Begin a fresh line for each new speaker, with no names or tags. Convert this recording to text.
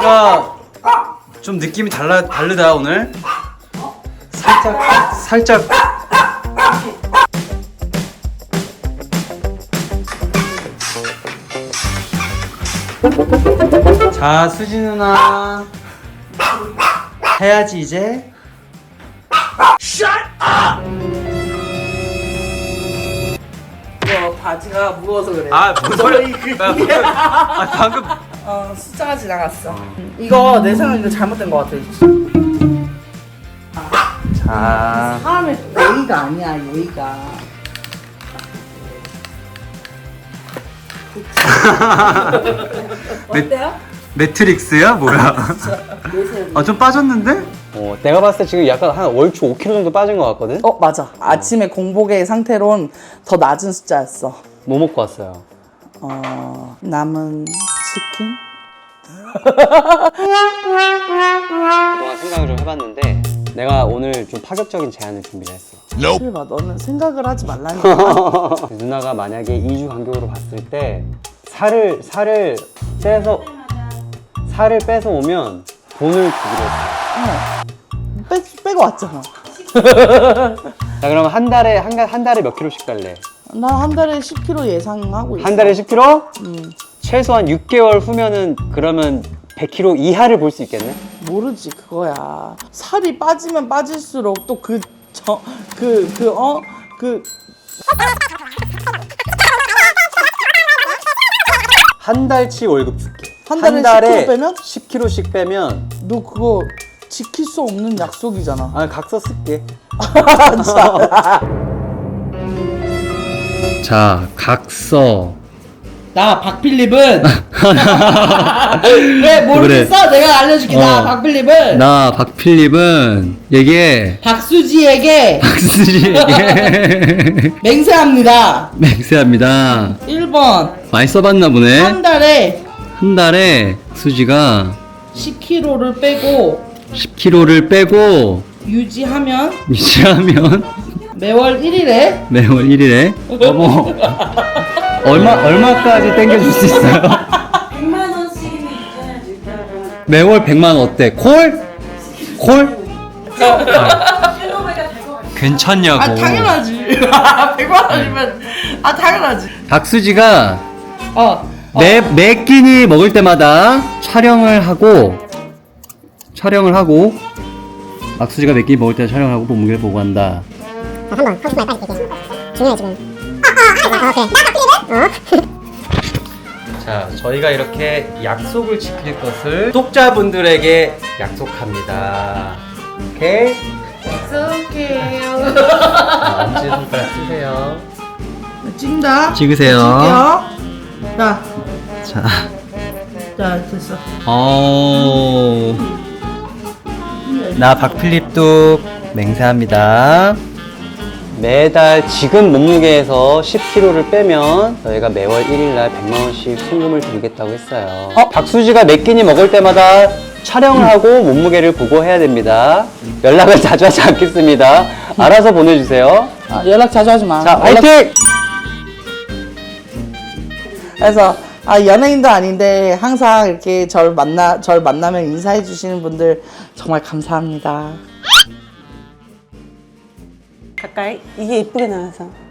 뭔가 좀 느낌이 다르다 오늘. 살짝. 자, 수지 누나 해야지 이제.
이거 바지가 무거워서 그래.
뭔 소리야? 방금.
숫자가 지나갔어. 이거 내 생각에 이거 잘못된 것 같아.
자,
사람의 예의가 아니야, 예의가. 어때요?
매트릭스야 뭐야? 좀 빠졌는데?
내가 봤을 때 지금 약간 한 얼추 5kg 정도 빠진 것 같거든?
맞아. 아침에 공복의 상태론 더 낮은 숫자였어.
뭐 먹고 왔어요?
남은 치킨?
그동안 생각을 좀 해봤는데 내가 오늘 좀 파격적인 제안을 준비를 했어.
실바, 너는 생각을 하지 말라니까.
누나가 만약에 2주 간격으로 봤을 때 살을 빼서 오면 돈을 주기로 했어.
빼고 왔잖아.
자, 그럼 한 달에 몇 킬로씩 달래?
나 한 달에 10kg 예상하고 있어.
한 달에 10kg? 최소한 6개월 후면은 그러면 100kg 이하를 볼 수 있겠네?
모르지, 그거야. 살이 빠지면 빠질수록 또
한 달치 월급 줄게.
한 달에 10kg 빼면?
10kg씩 빼면
너 그거 지킬 수 없는 약속이잖아.
각서 쓸게.
자, 각서.
나 박필립은 왜 모르겠어? 내가 알려줄게. 나 박필립은
나 박필립은 얘기해.
박수지에게
박수지에게
맹세합니다.
맹세합니다.
1번
많이 써봤나 보네.
한 달에
한 달에 수지가
10kg를 빼고
10kg를 빼고
유지하면
유지하면
매월 1일에
매월 1일에 어머 얼마까지 땡겨줄 수 있어요?
100만 원씩은 있어야지.
매월 100만 원 어때? 콜?
킬로미터가 될것 같아.
괜찮냐고.
당연하지. 100만 원이면 당연하지.
박수지가 매 끼니 먹을 때마다 촬영을 하고 박수지가 매 끼니 먹을 때 촬영을 하고 몸무게를 보고 한다.
한번 하고 싶은 말 빨리 얘기해. 중요해 지금.
자, 저희가 이렇게 약속을 지킬 것을 구독자분들에게 약속합니다. 오케이?
약속해요.
엄지손가락 쓰세요.
찍는다.
찍으세요.
자,
자,
됐어.
나 박필립도 맹세합니다.
매달 지금 몸무게에서 10kg를 빼면 저희가 매월 1일날 100만원씩 송금을 드리겠다고 했어요. 박수지가 몇 끼니 먹을 때마다 촬영을 하고 몸무게를 보고 해야 됩니다. 연락을 자주 하지 않겠습니다. 알아서 보내주세요.
연락 자주 하지 마.
자, 화이팅!
그래서 연예인도 아닌데 항상 이렇게 절 만나면 인사해 주시는 분들 정말 감사합니다.
가까이? 이게 이쁘게 나와서.